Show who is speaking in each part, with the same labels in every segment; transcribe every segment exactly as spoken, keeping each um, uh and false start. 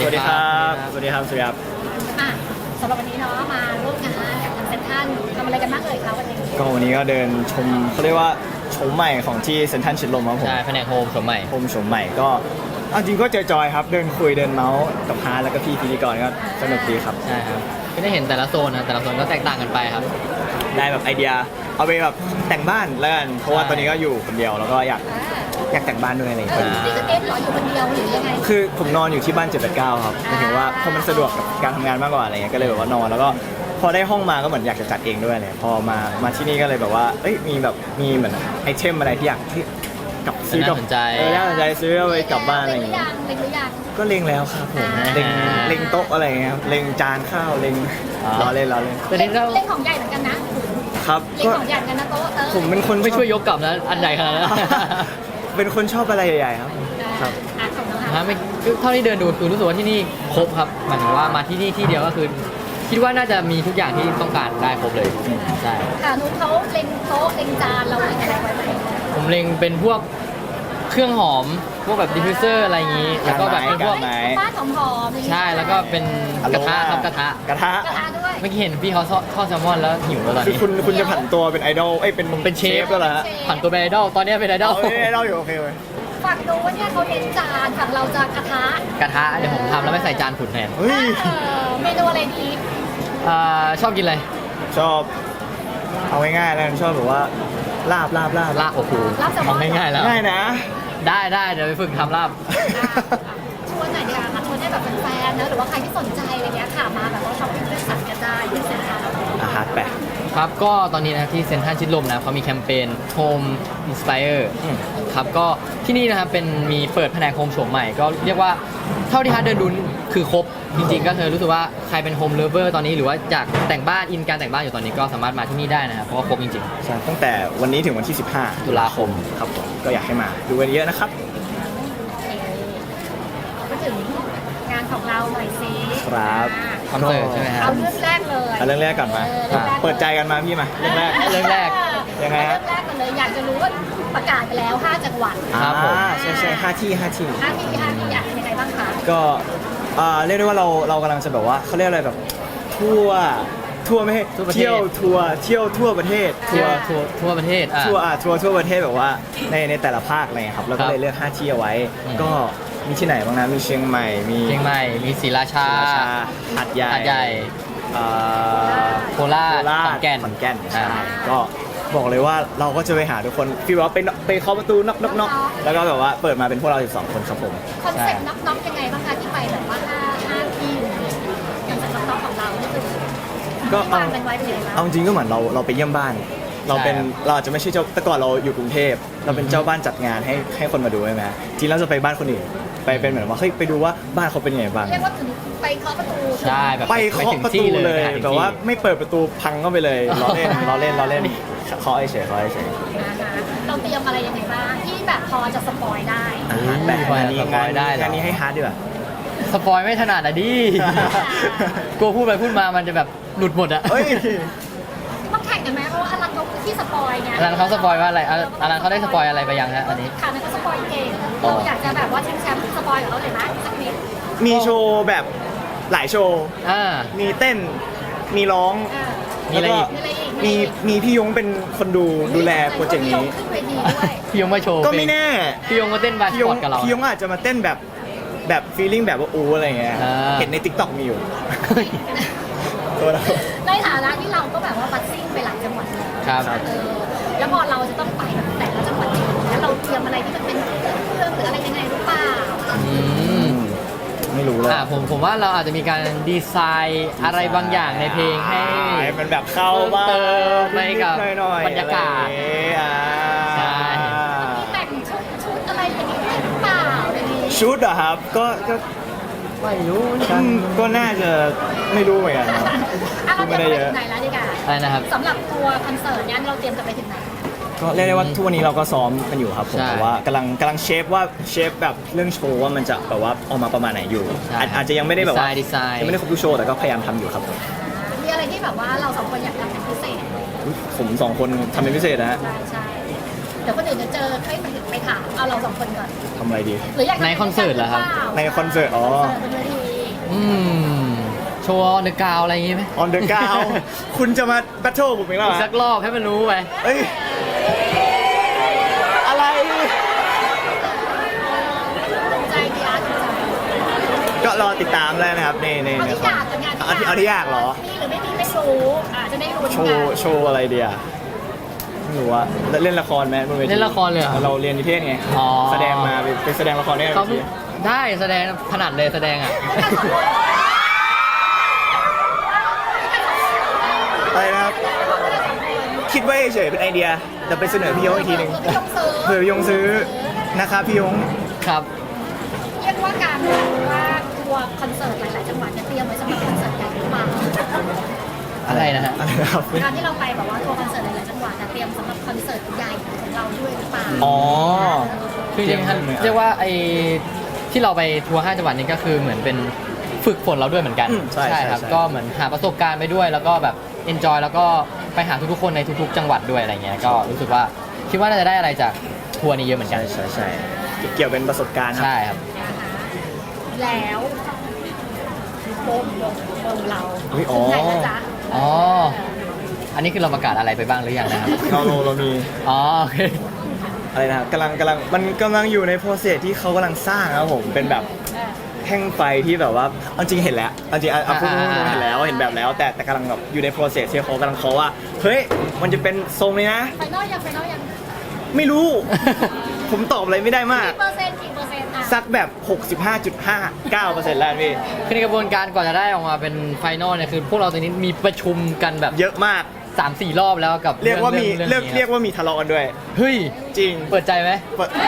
Speaker 1: วัสดีครับสวัสดีครับสวัสดีครับ
Speaker 2: อ่ะสำหรับวันนี้เนาะมาร่วมงานกับทางเซ็นทรัลทำอะไรกันบ้างเอ่ยคะวันนี้
Speaker 1: ก็วันนี้ก็เดินชมเขาเรียกว่าชมใหม่ของที่เซ็นทรัลชิดลมครับผม
Speaker 3: ใช่แผนกโฮมสมใหม่
Speaker 1: โฮมชมใหม่ก็เอาจริงก็จอยๆครับเดินคุยเดินเมาส์กับฮาร์แล้วก็พี่พิธีกรก็สนุกดีครับ
Speaker 3: ใช่ครับก็ได้เห็นแต่ละโซนนะแต่ละโซนก็แตกต่างกันไปครับ
Speaker 1: ได้แบบไอเดียเอาไปแบบแต่งบ้านแล้วกันเพราะว่าตอนนี้ก็อยู่คนเดียวแล้วก็อยากอยากแต่งบ้านด้วยอะไรอย่าง
Speaker 2: เอ
Speaker 1: เงี้
Speaker 2: อย นี่คือเอฟเหรออยู่คนเดียวหรือยังไง
Speaker 1: คือผมนอนอยู่ที่บ้านเจ็ดแปดเก้าครับหมายถึงว่าเพราะมันสะดวกกับการทำงานมากกว่าอะไรเงี้ยก็เลยแบบว่านอนแล้วก็พอได้ห้องมาก็เหมือนอยากจะจัดเองด้วยเลยพอมามาที่นี่ก็เลยแบบว่าเอ้ยมีแบบมีเหมือนไอเทมอะไรที่อยากที่กลับซื้อกับ
Speaker 3: น่าสนใจ
Speaker 1: เออน่าสนใจซื้อเอาไปกลับบ้านอะไรอย่าง
Speaker 2: เล็งห
Speaker 1: เงี้
Speaker 2: รื
Speaker 1: ย
Speaker 2: อยังเล็งหรือยัง
Speaker 1: ก็เล็งแล้วครับผม
Speaker 2: อ่า
Speaker 1: เล็งเล็งโต๊ะอะไรเงี้ยครับเล็งจานข้าวเล็งรอเล่นรอเล่น
Speaker 3: แต่นี่ก็
Speaker 2: เล็งของใหญ่เหมือนกันนะครับ เล็ง
Speaker 1: ก็
Speaker 2: ของใหญ่เหมือนกันนะโต๊ะเออ
Speaker 1: ผมเป็นคน
Speaker 3: ไม่ช่วยยกกลับนะอันใหญ่ขนาดนั้น
Speaker 1: เป็นคนชอบอะไรใหญ่ๆครับครับ
Speaker 2: อ่ะของน้อง
Speaker 3: ฮะ
Speaker 2: ฮะ
Speaker 3: ไม่คือเท่าที่เดินดูคือรู้สึกว่าที่นี่ครบครับหมายถึงว่ามาที่นี่ที่เดียวก็คือ คิดว่าน่าจะมีทุกอย่างที่ต้องการได้ครบเลยใช่
Speaker 2: ค่ะนุ๊กเขาเล็งโต๊ะเล็งจานเราเล็งอะไรไว้ไหม
Speaker 3: ผมเล็งเป็นพวกเครื่องหอมพวกแบบดิฟฟิวเซอร์อะไรอย่างนี้แล้วก็แบบเป็นพวก
Speaker 1: ไหน
Speaker 2: บ้านหอมๆอย่างนี้
Speaker 3: ใช่แล้วก็เป็นกระทะครับกระทะ
Speaker 1: กระทะ
Speaker 2: กระทะด้วย
Speaker 3: เมื่อกี้เห็นพี่เขาทอดแซลมอนแล้วหิวแล้วตอน
Speaker 1: คือ
Speaker 3: นี้
Speaker 1: คุณคุณจะผันตัวเป็นไอดอลเอ้ยเป็น
Speaker 3: ผมเป็นเชฟ
Speaker 1: แล้วเหรอฮะ
Speaker 3: ผ่านตัวเป็นไอดอลตอนนี้เป็นไอดอ
Speaker 1: เอา
Speaker 3: ล
Speaker 1: ไอดอลอยู่โอเคเลย
Speaker 2: ฝั่งนู้นเนี่ยเขาเน้นจานฝั่งเราจะกระทะ
Speaker 3: กระทะเดี๋ยวผมทำแล้วไม่ใส่จานขุนแทน
Speaker 1: เฮ้ย
Speaker 2: เออเมนูอะไรดี
Speaker 3: อ่าชอบกินอะไร
Speaker 1: ชอบเอาง่ายๆแล้วกันชอบแบบว่าลาบลาบลาบ
Speaker 3: ลาบโอ้โห
Speaker 2: ลาบแซลมอน
Speaker 3: ทำง่ายๆแล้ว
Speaker 1: ง่ายนะ
Speaker 3: ได้ได้เดี๋ยวไปฝึกทำลาบ
Speaker 2: ชวนหน่อยดีกว่าค่ะชวนให้แบบแฟนๆนะหรือว่าใครที่สนใจอะไรเงี้ยค่ะมาแบบว่าช้อปปิ้งเลือกสรรกันได้ที่เซ็นทรัล
Speaker 1: อาหารแปะ
Speaker 3: ครับก็ตอนนี้นะครับที่เซ็นทรัลชิดลมนะเขามีแคมเปญ Home Inspire
Speaker 1: อืม
Speaker 3: ครับก็ที่นี่นะครับเป็นมีเปิดแผนกโฮมโฉมใหม่ก็เรียกว่าเท่าที่ฮาร์ดเดินดูคือครบจริงๆก็คือรู้สึกว่าใครเป็นโฮมเลเวอร์ตอนนี้หรือว่าอยากแต่งบ้านอินการแต่งบ้านอยู่ตอนนี้ก็สามารถมาที่นี่ได้นะครับเพราะว่าครบจริง
Speaker 1: ใช่ตั้งแต่วันนี้ถึงวันที่ สิบห้า
Speaker 3: ตุลาคม
Speaker 1: ครับผมก็อยากให้มาดูกันเยอะนะครับ
Speaker 2: โอเคมาถึงงานของเราหน่อยสิ
Speaker 1: ครับ
Speaker 3: คอนเสิร์ตใช่ไหมครั
Speaker 2: เอา
Speaker 3: บ
Speaker 2: เรื่องแรกเลย
Speaker 1: เอาเรื่องแรกก่อนมา
Speaker 2: เออรื่องแรก
Speaker 1: เปิดใจกันมาพี่มาเรื่องแรก
Speaker 3: เรื่องแรก
Speaker 1: ยังไงฮะ
Speaker 2: เรื่องแรกกันเลยอยากจะรู้ว่าประกาศไปแล้วห้าจังหวัด
Speaker 3: ครับผม
Speaker 1: อ่าใช่ใช่ห้าที่ห้าที่
Speaker 2: ห้าที่ห้าที่อยากเป็นยังไงบ้างคะ
Speaker 1: ก็อ่าเรียกได้ว่าเราเรากำลังจะแบบว่าเขาเรียกอะไรแบบทั่วทั่วไม่ให้
Speaker 3: ทั่วประเทศ
Speaker 1: เที่ยวทัวร์เที่ยวทั่วประเทศ
Speaker 3: ๆทั่วทั่วทั่วประเทศอ่ะ
Speaker 1: ทัวร์อ่ะทัวร์ทั่วประเทศแบบว่าในในแต่ละภาคอะไรเงี้ยครับเรา
Speaker 3: ครั
Speaker 1: ก็
Speaker 3: บ
Speaker 1: เลยเลือกห้าที่เอาไว้
Speaker 3: อืม
Speaker 1: ก็มีที่ไหนบ้างนะมีเชียงใหม่มี
Speaker 3: เชียงใหม่มีศรีราชา
Speaker 1: ศรีราชาหัดใหญ่
Speaker 3: หาดใหญ่
Speaker 1: อ่า
Speaker 3: โคราช
Speaker 1: โคราช
Speaker 3: ขอนแก่น
Speaker 1: ขอนแก่น
Speaker 3: อ่า
Speaker 1: ใช่ก็บอกเลยว่าเราก็จะไปหาทุกคนฟีลว่าไปไปเคาะประตูน็อกน็อกน็อกแล้วก็แบบว่าเปิดมาเป็นพวกเราสิบสองคนครับผม
Speaker 2: คอนเซ็ปต์น็อกๆยังไงบ้างคะที่ไปแบบว่าห้าห้าที่คอนเซ็ปต์น็อกๆของเรานี่คือ
Speaker 1: ก็เอา
Speaker 2: วางกันไว้เป็นยังไงบ้าง
Speaker 1: เอาจริงก็เหมือนเราเราไปเยี่ยมบ้าน เราเป็น
Speaker 3: ใช่ครับ
Speaker 1: เราอาจจะไม่ใช่เจ้าแต่ก่อนเราอยู่กรุงเทพเราเป็นเจ้าบ้านจัดงานให้ให้คนมาดูใช่ไหมจริงเราจะไปบ้านคนอื่นไปเป็นเหมือนว่าเฮ้ยไปดูว่าบ้านเขาเป็นยังไงบ้าง
Speaker 2: เรียกว่าถึงไปเคาะประตู
Speaker 3: ใช่แบบ
Speaker 1: ไปเคาะประตูเลย
Speaker 3: ไปถึงที่เลย
Speaker 1: แต่ว่าไม่เปิดประตูพังเข้าไปเลยล้อเล่นล้อเล่นล้อเล่นเคาะเฉยเคาะเฉย
Speaker 2: นะคะเราเตรียมอะไรยังไงบ้างที่แบบพอจะสปอยได้
Speaker 1: อาหารแบบงานนี้
Speaker 3: สป
Speaker 1: งา
Speaker 3: อน ยได้เหรอ
Speaker 1: งานนี้ให้ฮาร์ดดีกว่า
Speaker 3: สปอยไม่ถนัดอ่ะดิ กลัวพูดไปพูดมามันจะแบบหลุดหมดอ่ะ
Speaker 1: เฮ้ย
Speaker 2: ต้องแข่งกันไหมเพราะว่าอลันเขาคือที่สปอยไง
Speaker 3: อลันเขาสปอยว่าอะไรอลันอลันเขาได้สปอยอะไรไปยังฮะอันนี้
Speaker 2: ค่ะนั่นก็สปอยเก่ง
Speaker 3: อ๋อ
Speaker 2: เราอยากจะแบบว่าชิงแชมป์สปอยกับเขาเลยไหมสักนิด
Speaker 1: มีโชว์แบบหลายโชว์
Speaker 3: อ่า
Speaker 1: มีเต้นมีร้อง
Speaker 2: อ่า
Speaker 3: มีอะไรอีก
Speaker 2: มีอะไรอีก
Speaker 1: มีมีพี่ยงเป็นคนดูดูแลโปรเจกต์นี้
Speaker 2: ขึ้นเวทีด้วย
Speaker 3: พี่ยงมาโชว์
Speaker 1: ก็ไม่แน่
Speaker 3: พี่ยงมาเต้นบาส
Speaker 1: พี่ย
Speaker 3: ปอง ร์ตกับเรา
Speaker 1: พี่ยงอาจจะมาเต้นแบบแบบฟีลลิ่งแบบว่าอูอะไรเงี้ย
Speaker 3: อ่า
Speaker 1: เห็นในทิกตอกมีอยู่ตัวเรา
Speaker 2: ในฐานะที่เราก็แบบว่าบัสซิ่งไปหลายจังหวัดแล้ว
Speaker 3: ครับ
Speaker 2: เออแล้วพอเราจะต้องไปแบบแต่ละจังหวัดเองแล้วเราเตรียมอะไรที่มันเป็นเครื่องหรืออะไรยังไงหรือเปล่า
Speaker 3: อืม
Speaker 1: ไม่รู้เลย
Speaker 3: อ่าผมผมว่าเราอาจจะมีการดีไซน์อะไรบางอย่างในเพลงให้
Speaker 1: ให้มันแบบเข้าบ้าง
Speaker 3: เติมไปกับ
Speaker 1: นิดๆหน่อยๆ
Speaker 3: บรรยากาศ
Speaker 1: อะไรอย่างเงี้ยอ่า
Speaker 3: ใช่
Speaker 2: มีแต่งชุดชุดอะไรอย่างนี้ด้วยหรือเปล่าอย่างนี้
Speaker 1: ชุดเหรอครับก็ก็
Speaker 3: ไม่รู้
Speaker 1: อืมก็น่าจะไม่รู้เหมือนกันครับ
Speaker 2: อ่ะเราเตรียม
Speaker 1: ไม่ได้
Speaker 2: ไป
Speaker 1: เยอะ
Speaker 2: ถึงไหนแล้วดีกว่า
Speaker 3: อะไรนะครับ
Speaker 2: สำหรับตัวคอนเสิร์ตเนี้ยเราเตรียมจะไปถึงไหน
Speaker 1: ก็เรียกได้ว่าทุกวันนี้เราก็ซ้อมกันอยู่ครับผม
Speaker 3: ใช่
Speaker 1: แต่ว่ากำลังกำลังเชฟว่าเชฟแบบเรื่องโชว์ว่ามันจะแบบว่าออกมาประมาณไหนอยู่
Speaker 3: ใช่
Speaker 1: อาจอาจจะยังไม่ได้แบบว่า
Speaker 3: ดีไซน์ดีไซน์
Speaker 1: ยังไม่ได้ครบทุกโชว์แต่ก็พยายามทำอยู่ครับผม
Speaker 2: มีอะไรที่แบบว่าเราสองคนอยากทำเป็นพิเศษ
Speaker 1: อุ๊ยผมสองคนทำเป็นพิเศษนะฮะ
Speaker 2: ใช่ใช่เดี๋ยวคนอื่นจะเจอให้ไปไปถามเอาเราสองคนก่อน
Speaker 1: ทำอะไรดี
Speaker 2: หรืออยากทำ
Speaker 3: ในคอนเสิร์ตเหรอครับ
Speaker 1: ในคอนเสิร์ตอ๋อ
Speaker 2: คอนเสิร์ตบนเวที
Speaker 3: อืมโชว์เดอะกาวอะไรอย่างงี้ไหม
Speaker 1: on the ground คุณจะมาแบทเทิลผมอีกแล้วเหร
Speaker 3: อี
Speaker 1: อก
Speaker 3: สักรอบให้มันรู้ไป
Speaker 1: เอ้ย อะไร
Speaker 2: ถูกใจดีอาร์ถูกใจ
Speaker 1: ก็รอติดตามแล้วนะครับในใน
Speaker 2: เอา
Speaker 1: ใน
Speaker 2: ที่อยากกับงาน
Speaker 1: เอาที่เอาที่อยากเหรอ
Speaker 2: มีหรือไม่มีไม่รู้อ่าจะได้รู้
Speaker 1: โชว์โชว์อะไรเดียไม่รู้ว่าเล่นละครไหมบนเวที
Speaker 3: เล่นละครเลยเหรอ
Speaker 1: เราเรียนนิเทศไง
Speaker 3: อ๋อ
Speaker 1: แสดงมาไปไปแสดงละครได้ไหม
Speaker 3: เขาได้แสดงถนัดเลยแสดงอ่ะ
Speaker 1: อะไรนะครับ คิดไว้เฉยๆเป็นไอเดียเดี๋ยวไปเสนอพี่ยงอีกทีหนึ่ง
Speaker 2: เผื่อพี่ยงซื้อ
Speaker 1: เผื่อพี่ยงซื้อนะครับพี่ยง
Speaker 3: ครับ
Speaker 2: เรียกว่าการว่าทัวร์คอนเสิร์ตหลายๆจังหวัดจะเตรียมไว้สำหรับคอนเสิร์ตใหญ่หรือเปล่า
Speaker 3: อะไรนะฮะ
Speaker 1: อะไรนะครับ
Speaker 2: การที่เราไปแบบว่าทัวร์คอนเสิร์ตหลายๆจังหวัดจะเตรียมสำหรับคอนเสิร์ตใหญ่ของเราด้วยหรือเปล่า
Speaker 1: อ๋อ
Speaker 3: คือจริงๆเรียกว่าไอ้ที่เราไปทัวร์ห้าจังหวัดนี้ก็คือเหมือนเป็นฝึกฝนเราด้วยเหมือนกัน
Speaker 1: อืมใช่ใช่
Speaker 3: ครับ
Speaker 1: ใช่
Speaker 3: ก็เหมือนหาประสบการณ์ไปด้วย แล้วก็แบบเอนจอยแล้วก็ไปหาทุกๆคนในทุกๆ จังหวัดด้วยอะไรเงี้ยก็รู้สึกว่าคิดว่าน่าจะได้อะไรจากทัวร์นี้เยอะเหมือนกัน
Speaker 1: ใช่ใช่ใช่เกี่ยวเป็นประสบการณ์ครับ
Speaker 3: ใช่ครับ
Speaker 2: แล้ววงวงวงเรา
Speaker 1: อุ๊ยอ๋อ
Speaker 2: ถึงไหนแล้วจ๊ะ
Speaker 3: อ๋อ อันนี้คือเราประกาศอะไรไปบ้างหรือยังนะครับ
Speaker 1: เราเราเรามี
Speaker 3: อ๋อโอเค
Speaker 1: อะไรนะครับกำลังกำลังมันกำลังอยู่ในโปรเซสที่เขากำลังสร้างครับผมเป็นแบบ
Speaker 2: เออ
Speaker 1: แท่งไฟที่แบบว่าเอาจริงเห็นแล้วเอาจริงเอาเอาพูดตรง
Speaker 3: อ่า
Speaker 1: ๆเห็นแล้วเห็นแบบแล้ว แต่แต่กำลังแบบอยู่ในโปรเซสที่เขากำลังเขาะว่าเฮ้ยมันจะเป็นทรงนี้นะ
Speaker 2: ไฟนอลยังไฟนอลยัง
Speaker 1: ไม่รู้ ผมตอบอะไรไม่ได้มาก
Speaker 2: กี่เปอร์เซ็นต์กี่เปอร์เซ็นต์อ่ะ
Speaker 1: สักแบบ หกสิบห้าจุดห้าเก้าเปอร์เซ็นต์ แล้วพี่
Speaker 3: คือในกระบวนการก่อนจะได้ออกมาเป็นไฟนอลเนี่ยคือพวกเราตอนนี้มีประชุมกันแบบ
Speaker 1: เยอะมาก
Speaker 3: สามสี่รอบแล้วกับ
Speaker 1: เรียกว่ามี
Speaker 3: อง
Speaker 1: เรียก
Speaker 3: นี้
Speaker 1: เรียกว่ามีทะเลาะกันด้วย
Speaker 3: เฮ้ย
Speaker 1: จริง
Speaker 3: เปิดใจไหม
Speaker 1: เปิด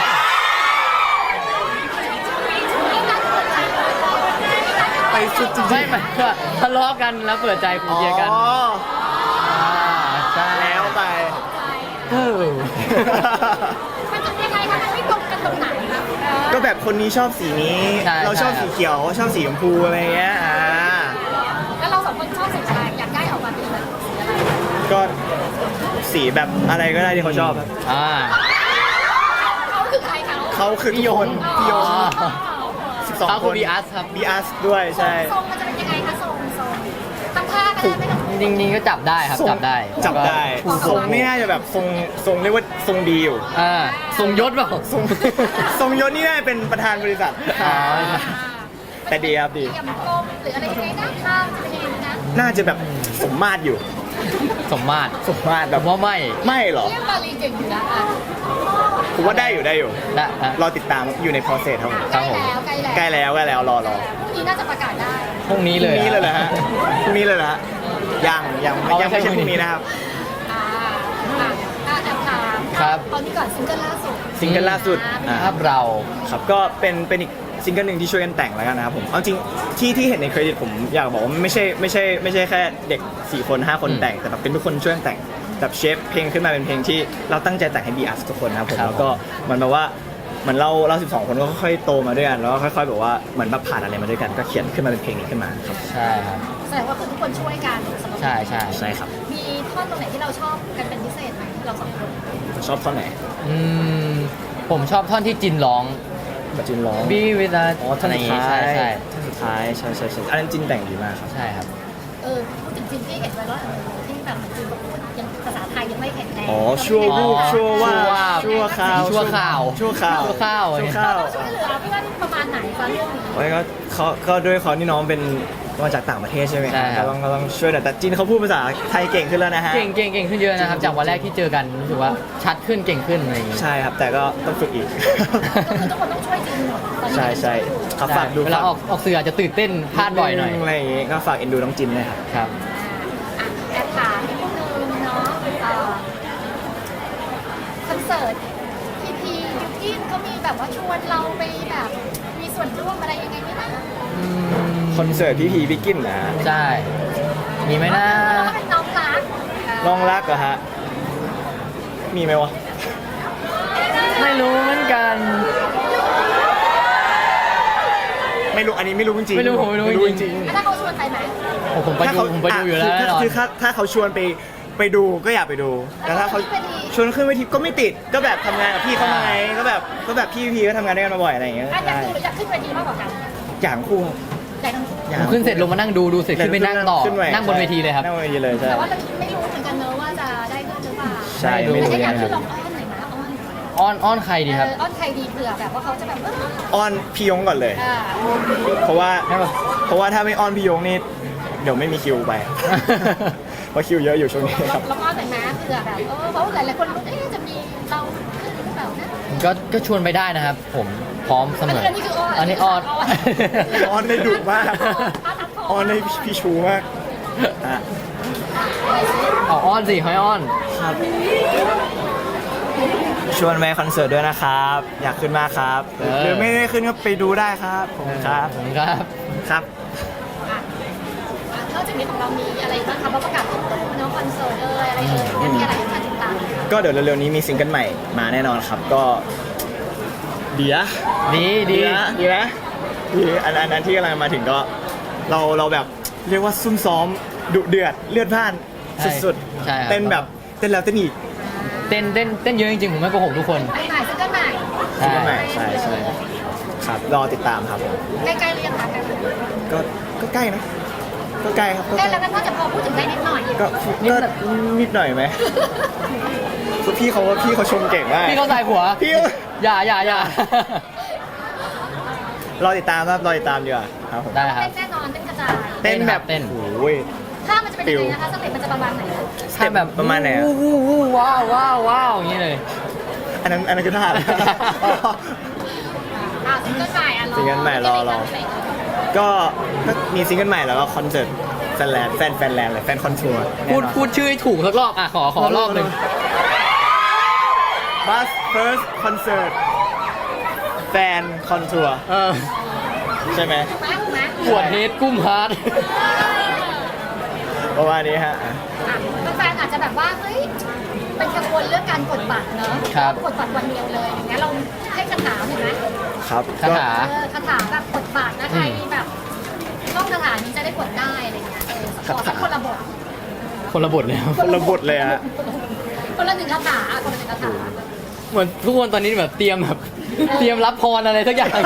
Speaker 1: ไปสุดจริงๆ
Speaker 3: ไม่หมายถึงว่าทะเลาะกันแล้วเปิดใจคุยกัน
Speaker 1: อ๋อ
Speaker 3: อ่าใช่
Speaker 1: แล้วไป
Speaker 3: เออ
Speaker 2: มันจะยังไงคะมันไม่ตรงกันตรงไหนคะเออ
Speaker 1: ก็แบบคนนี้ชอบสีนี้
Speaker 3: ใช่
Speaker 1: เราชอบ
Speaker 3: ใช่
Speaker 1: สีเขียว ชอบสีชมพูอะไรเงี้ยอ่า
Speaker 2: แล้วเราสองคนชอบสีอะไรอยากได้ออกมาเป็นแบบสีอะไร
Speaker 1: ก็สีแบบอะไรก็ได้ที่เขาชอบครับ
Speaker 3: อ่า
Speaker 2: เขาคือใครเขา
Speaker 1: เขาคือทุกคน
Speaker 2: อ๋อ
Speaker 1: พี่โยง
Speaker 2: อ๋อ
Speaker 1: สิบสอง
Speaker 3: เขา
Speaker 1: ค
Speaker 3: คือน บีอาร์ครับ
Speaker 1: บีอาร์ด้วยใช่
Speaker 2: ทรงมันจะเป็นยังไงคะทรงทรงทำท่าก็ได้ไม่ต้อง
Speaker 3: จริงๆก็จับได้ครับ
Speaker 1: ทรง
Speaker 3: จับได้
Speaker 1: จับได้
Speaker 3: ถูก
Speaker 1: ทรงนี่น่าจะแบบทรงทรงเรียกว่าทรงดีอยู่
Speaker 3: อ่าทรงยศเปล่า
Speaker 1: ทรง ทรงยศนี่น่าจะเป็นประธานบริษัท
Speaker 3: อ๋อ
Speaker 1: แต่ดีครับดี
Speaker 2: เตรียมกลมหรืออะไรยังไงนะข้างจะเป็นยังไงนะ
Speaker 1: น่าจะแบบสมมาตรอยู่
Speaker 3: สมมาตร
Speaker 1: สมมาตร
Speaker 3: ผ
Speaker 1: แบบ
Speaker 3: มว่าไม่
Speaker 1: ไม่หรอ
Speaker 2: เรียกบาลีเก่งอยู่นะอ่ะ
Speaker 1: ผมว่าได้อยู่ได้อยู่
Speaker 3: และนะ
Speaker 1: รอติดตามอยู่ใน process ครับผม
Speaker 3: ครับผม
Speaker 2: ใกล้แล้วใกล้แล้ว
Speaker 1: ใกล้แล้วใกล้แล้วรอรอ
Speaker 2: พรุ่งนี้น่าจะประกาศได้
Speaker 3: พรุ่งนี้
Speaker 1: พ
Speaker 3: เล
Speaker 1: รุ่ง
Speaker 3: ย
Speaker 1: นี้เลยเหรอฮะพรุ่งนี้เลยเหรอฮะยังยัง
Speaker 3: เอาไม่
Speaker 1: ยังไม่
Speaker 3: ใช่
Speaker 1: ใช่
Speaker 3: พ
Speaker 1: พ
Speaker 3: รุ่
Speaker 1: รุ่
Speaker 3: ง
Speaker 1: ง
Speaker 3: นี้
Speaker 1: นี้นะครับ
Speaker 2: อ่าอ่าอ่าแอบถาม
Speaker 3: ครับ
Speaker 2: ตอนนี้ก่อนซิงเกิลล่าสุด
Speaker 1: ซิงเกิลล่าสุดอ่า
Speaker 3: ภาพเรา
Speaker 1: ครับก็เป็นเป็นอีกซิงเกิลหนึ่งที่ช่วยกันแต่งแล้วกันนะครับผมเอาจริงที่ที่เห็นในเครดิตผมอยากบอกว่าไม่ใช่ไม่ใช่ไม่ใช่แค่เด็กสี่คนห้าคน
Speaker 3: อืม
Speaker 1: แต่งแต่แบบเป็นทุกคนช่วยกันแต่งแบบเชฟเพลงขึ้นมาเป็นเพลงที่เราตั้งใจแต่งให้บีอาร์ทุกคนนะครับผม
Speaker 3: ครับ
Speaker 1: แล้วก็เหมือนแบบว่าเหมือนเราเราสิบสองคนก็ค่อยๆโตมาด้วยกันแล้วก็ค่อยๆแบบว่าเหมือนแบบผ่านอะไรมาด้วยกันก็เขียนขึ้นมาเป็นเพลงนี้ขึ้นมาครับ
Speaker 3: ใช่ครับ
Speaker 2: แสดงว่าคือทุกคนช่วยกันสำหรับ
Speaker 3: ใช่ใช่
Speaker 1: ใช่ครับ
Speaker 2: มีท่อนตรงไหนที่เราชอบกันเป็นพิเศษไหมเราสองคน
Speaker 1: ชอบท่อนไหน
Speaker 3: อืมผมชอบท่อนที่จินร้อง
Speaker 1: บัจจินร้อง
Speaker 3: Be with us
Speaker 1: อ๋อท่อน
Speaker 3: อะไรอ
Speaker 1: สุ
Speaker 3: ย่า
Speaker 1: ด
Speaker 3: งงี้
Speaker 1: ท้าย
Speaker 3: ใช่ใช่
Speaker 1: ท่อนสุดท้ายใช่ใช่ใช่อันนั้นจินแต่งดีมากครับ
Speaker 3: ใช่ครับ
Speaker 2: เออพูดถึงจริงที่เห็นไว้ว่าเออที่แบบมันจริงแบบพูดยังภาษาไทยยังไม่แข็งแรง
Speaker 1: อ๋อชั่ววูบชั่วว่า
Speaker 3: ชั่ว
Speaker 1: ชั่วข่าว
Speaker 3: ชั่วข่าว
Speaker 1: ชั่วข่าว
Speaker 3: ชั่วข่าว
Speaker 1: ชั่วข่าว
Speaker 2: เราช่วยเหลือเพื่อนประมาณไหนคะเรื่องนี้
Speaker 1: โอ้ยก็เขาก็ด้วยเขานี่น้องเป็นมาจากต่างประเทศใช่ไหม
Speaker 3: ใช่ครับ
Speaker 1: ก็ต้องก็ต้องช่วยหน่อยแต่จีนเขาพูดภาษาไทยเก่งขึ้นแล้วนะฮะ
Speaker 3: เก่งเก่งเก่งขึ้นเยอะนะครับ จากวันแรกที่เจอกันรู้สึกว่าชัดขึ้นเก่งขึ้นอะไรอย่างงี้
Speaker 1: ใช่ครับแต่ก็ต้องฝึกอีก
Speaker 2: ก็คือทุกคนต้องช่วยจริงหมดตอนนี้
Speaker 1: ใช่ใช่ครับฝากดู
Speaker 3: เวลาออกออกสื่ออาจจะตื่นเต้นพลาดบ่อยหน่อย
Speaker 1: อะไรอย่างงี้ก็ฝากเอ็นดูน้องจินด้วยครับ
Speaker 3: ครับ
Speaker 2: อ่ะแอบถามนิดนึงเนาะเอ่อคอนเสิร์ตพีพียูกินเขามีแบบว่าชวนเราไปแบบมีส่วนร่วมอะไรยังไงไหมนะ
Speaker 3: อืม
Speaker 1: คอนเสิร์ตพี่พีบิกกินนะฮะ
Speaker 3: ใช่ มีไหมนะ
Speaker 2: เราก็เป็นน้องรักเ
Speaker 1: น้องรักเหรอฮะมีไหมวะ
Speaker 3: ไม่รู้เหมือนกัน
Speaker 1: ไม่รู้อันนี้ไม่รู้จริงๆ
Speaker 3: ไม่รู้ผมไม่รู้
Speaker 1: จ
Speaker 3: จริ
Speaker 1: ริง
Speaker 3: ง
Speaker 2: แล้วถ้าเขาชวนไปไหม
Speaker 3: โอ้ผมไป
Speaker 1: ถ้า
Speaker 3: ดู
Speaker 1: เขา
Speaker 3: ผมไปดูอยู่แล้ว
Speaker 1: ะ
Speaker 3: แน่นอน
Speaker 1: คือถ้าถ้าเขาชวนไปไปดูก็อยากไปดูแต่ถ้าเขาชวนขึ้นเวทีก็ไม่ติดก็แบบทำงานกับพี่เขามาไงก็แบบก็แบบพี่พีก็ทำงานด้วยกันมาบ่อยอะไรอย่างเงี้ย
Speaker 2: อ่ะอยาก
Speaker 1: ใช่
Speaker 2: ดูหรืออยากขึ้นเวทีมากกว่ากัน
Speaker 1: อย่างคู่ครับ
Speaker 2: ได้ทั้งคู่
Speaker 3: ผมขึ้นเสร็จลงมานั่งดูดูเสร็จขึ้นไปนั่งต่อ
Speaker 1: ขึ้ไป
Speaker 3: นั่งบนเวทีเลยครับ
Speaker 1: นั่งบนเวทีเลยใช่
Speaker 2: แต่ว่าเราไม่รู้เหมือนกันเนอะว่าจะได้ขึ้นหรือเปล่า
Speaker 1: ใช่ไม่รู้
Speaker 2: แต่
Speaker 1: เหมือน
Speaker 2: ถ้าอ
Speaker 1: กั
Speaker 2: ยาก
Speaker 1: นค
Speaker 2: ขึ้
Speaker 1: รั
Speaker 2: น
Speaker 1: บ
Speaker 2: ลองอ้อนหน่อยนะอ้อน
Speaker 3: อ้อนอ้อนใครดีครับ
Speaker 2: เอออ้อนใครดีเผื่อแบบว่าเขาจะแบบเออ
Speaker 1: อ้อนพี่ยงก่อนเลย
Speaker 2: อ่า
Speaker 1: เพราะว่าเพราะว่าถ้าไม่อ้อนพี่ยงนี่เดี๋ยวไม่มีคิวไป เพราะคิวเยอะอยู่ช่วงนี้ครับ
Speaker 2: ลองอ้อนหน่อยนะเผื่อแบบเออเพราะหลายๆคนรู้เอ๊ะจะมีเราขึ้นหรือเปล่านะ
Speaker 3: ก็ก็ชวนไปได้นะครับ ผมพร้อมเสมอ
Speaker 2: อันนี้คืออ้อน
Speaker 3: อันนี้อ้อน
Speaker 1: อ้อนได้ดุมากอ้อนได้พี่ชูมากอ่ะ
Speaker 3: เอาอ้อนสิให้อ้อน
Speaker 1: ครับชวนไปคอนเสิร์ตด้วยนะครับ อยากขึ้นมากครับ
Speaker 3: เออ
Speaker 1: หรือไม่ได้ขึ้นก็ไปดูได้ครับผมครับ
Speaker 3: ผมครับ
Speaker 1: ครับ
Speaker 2: อ่ะอ่ะนอกจากนี้ของเรามีอะไรบ้างคะเพราะประกาศตัวเน้องคอนเสิร์ตเอยอะไรเอ่ยมีอะไรให้มาติดตามไหมคะ
Speaker 1: ก็เดี๋ยวเร็วๆนี้มีซิงเกิลใหม่มาแน่นอนครับ ก็เดีย
Speaker 3: ดีดี
Speaker 1: เดียเดียดีอันอันนั้นที่กำลังมาถึงก็เราเราแบบเรียกว่าซุ่มซ้อมดุเดือดเลือดพล่านสุด
Speaker 3: ใช่ครับ
Speaker 1: ๆเต้นแบบเต้นแล้วเต้นอีก
Speaker 3: เต้นเต้นเต้นเยอะจริงๆผมไม่โกหกทุกคน
Speaker 2: ไปใหม่ซิงเกิลใหม่
Speaker 1: ซิงเกิลใหม่ใช่ใช่ครับรอติดตามครับผม
Speaker 2: ใกล้ๆเรียงค่ะกัน
Speaker 1: ก็ก็ใกล้นะก็ใกล้ครับก็
Speaker 2: ใก
Speaker 1: ใก
Speaker 2: ล้
Speaker 1: ล้
Speaker 2: แล้วกันน่าจะพอพูดถึงได้นิดหน่อย
Speaker 1: ก็ก็นิดหน่อยไหมคือพี่เขาว่าพี่เขาชมเก่งมาก
Speaker 3: พี่เขาใส่หัว
Speaker 1: พี่
Speaker 3: อย่าอย่าอย่าร
Speaker 1: อติดตามครับรอติดตามดีกว่าครับผม
Speaker 3: ได้ครับ
Speaker 2: เต้นแน่นอนเต้นกระจาย
Speaker 1: เต้นแบบ
Speaker 3: เต้น
Speaker 1: โอ้ย
Speaker 2: ถ้ามันจะเป็นยังไงนะคะสเต็ปมันจะประมาณไหนคะ
Speaker 1: สเต็ปแบบประมาณไหนอะ
Speaker 3: วู้วู้วู้ว้าวว้าวว้าวอย่างนี้เลย
Speaker 1: อันนั้นอันนั้นคือท่าอะไร
Speaker 2: อ่าซิงเกิลใหม่อ่ะรอ
Speaker 1: ซิงเกิลใหม่รอรอ ก็ก็มีซิงเกิลใหม่แล้วก็คอนเสิร์ตแฟนแลนด์แฟนแฟนแลนด์เลยแฟนคอนทัวร์
Speaker 3: พูดพูดชื่อให้ถูกสักรอบอ่ะขอขอรอบหนึ่ง
Speaker 1: บัสเฟิร์สคอนเสิร์ตแฟนคอนทัวร์
Speaker 3: เออ
Speaker 1: ใช่ไหม
Speaker 2: ถูกไหมถูกไหม
Speaker 3: ปวดเฮดกุ้มฮาร์ด
Speaker 1: ประมาณนี้ฮะ
Speaker 2: อ่ะแฟนๆอาจจะแบบว่าเฮ้ยเป็นกังวลเรื่องการกดบัตรเนอะ
Speaker 3: ครับ
Speaker 2: กดบัตรวันเดียวเลยอย่างเงี้ยเราให้คาถาหน่อยไหม
Speaker 1: ครับ
Speaker 3: คา
Speaker 1: ก็
Speaker 3: ถา
Speaker 2: เออคาถาแบบกดบัตรนะใครแบบต้องคาถานี้จะได้กดได้อะไรเงี้ยเออขอสักคนละบท
Speaker 3: คนละบทเลยครับ
Speaker 1: คนละบทเลยฮะ
Speaker 2: คนละหนึ่งคาถาคนละหนึ่งคาถา
Speaker 3: เหมือนทุกคนตอนนี้แบบเตรียมแบบเตรียมรับพรอะไรสักอย่าง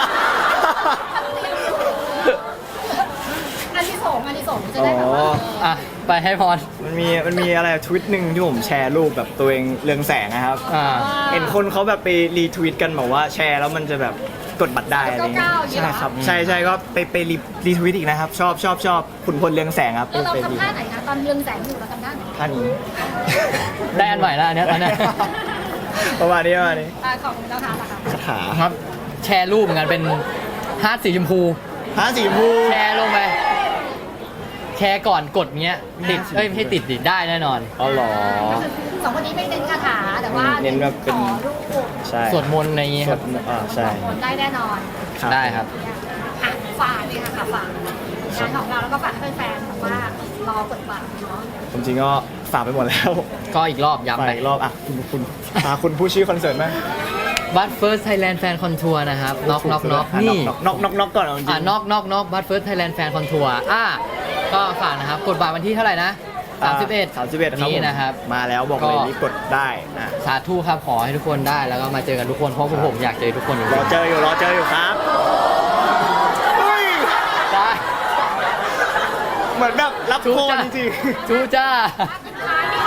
Speaker 2: อันที่สองอันที่สองจะ
Speaker 1: อ๋
Speaker 2: ได้แบบว่า
Speaker 1: อ
Speaker 3: อ่ะไปให้พร
Speaker 1: มันมีมันมีอะไรทวิตหนึ่งที่ผมแชร์รูปแบบตัวเองเรืองแสงนะครับ
Speaker 3: อ่า
Speaker 1: เห็นคนเขาแบบไปรีทวิตกันบอกว่าแชร์แล้วมันจะแบบกดบัตรได้อะไรเงี้ยใช่ครับใช่ใช่ก็ไปไปรีรีทวิตอีกนะครับ ชอบชอบชอบขุนพลเรืองแสงครับ
Speaker 2: เออเรา
Speaker 1: ไปรี
Speaker 2: ทำท่าไหนนะตอนเรืองแสงอยู่เราทำท่าไหน
Speaker 1: ท่านี้
Speaker 3: ได้อันใหม่แล้วอันเนี้ยอันเนี้ย
Speaker 1: ประมาณนี้ประมาณนี้
Speaker 2: อ่าของเราทำนะคะ
Speaker 1: คาถา
Speaker 3: ครับ แชร์รูปเหมือนกันเป็นฮาร์ดสีชมพู
Speaker 1: ฮาสีชมพู
Speaker 3: แชร์ลงไป แชร์ก่อนกดเงี้ยติดเอ้ยไม่ใช่ติดดิได้แน่นอน
Speaker 1: อ๋อเหรอ
Speaker 2: ก็คือสองคนนี้ไม่เน้นคาถาแต่ว่า
Speaker 1: เน้นแบบเป็น
Speaker 2: ขอรูป
Speaker 1: ใช่
Speaker 3: สวดมนต์อะไรอย่างงี้
Speaker 1: ส
Speaker 3: คว รั
Speaker 1: ด
Speaker 3: บ
Speaker 1: อ่าใช่
Speaker 2: สองคนได้แน่นอน
Speaker 3: ได้ครับ
Speaker 2: อ่ะฝากเลยค่ะค่ะฝากงานของเราแล้วก็ฝากให้แฟนๆแบบว่ารอกดบัตรเนาะ
Speaker 1: ผมจริงก็ฝากไปหมดแล้ว
Speaker 3: ก็อีกรอบย้ำ
Speaker 1: ไป
Speaker 3: ไป
Speaker 1: อีกรอบอ่ะคุณคุณอ่ะคุณผู้ชื่อคอนเสิร์ตไหม
Speaker 3: บัตเฟิร์สไทยแลนด์แฟนคอนทัวร์นะครับน็อกน็อกน็อก
Speaker 1: ะ
Speaker 3: นี่
Speaker 1: น็อกน็อกน็อกก่อนเอาจริง
Speaker 3: อ่ะน็อกน็อกน็อกบัตเฟิร์สไทยแลนด์แฟนคอนทัวร์อ่ะก็ฝากนะครับ กดบัตรวันที่เท่าไหร่นะสามสิบเอ็ด
Speaker 1: สามสิบเอ็ดครับ
Speaker 3: นี้
Speaker 1: ผม
Speaker 3: นะครับ
Speaker 1: มาแล้วบอกเลย
Speaker 3: ก็
Speaker 1: รีบกดได้นะ
Speaker 3: สาธุครับขอให้ทุกคนได้แล้วก็มาเจอกันทุกคนเพราะพวกผมอยากเจอทุกคนอยู่
Speaker 1: รอเจออยู่รอเจออยู่ครับเฮ้ย
Speaker 3: ได้
Speaker 1: เหมือนแบบรับ
Speaker 3: ทู
Speaker 1: โค
Speaker 3: จ้า
Speaker 1: จริง
Speaker 3: ทูจ้า
Speaker 2: ท้ายนี่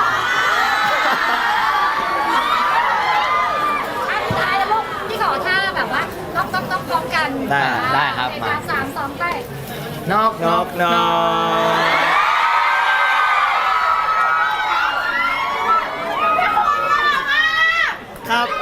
Speaker 2: อันท้ายแล้วลูกพี่ขอท่าแบบว่าน็อกน็อกน็อกพร้อมกัน
Speaker 1: ได้
Speaker 3: ได้ครับ
Speaker 2: ใน
Speaker 3: มา
Speaker 2: การสามสองไป
Speaker 3: น็อก
Speaker 1: ๆน็อกน็อกครับ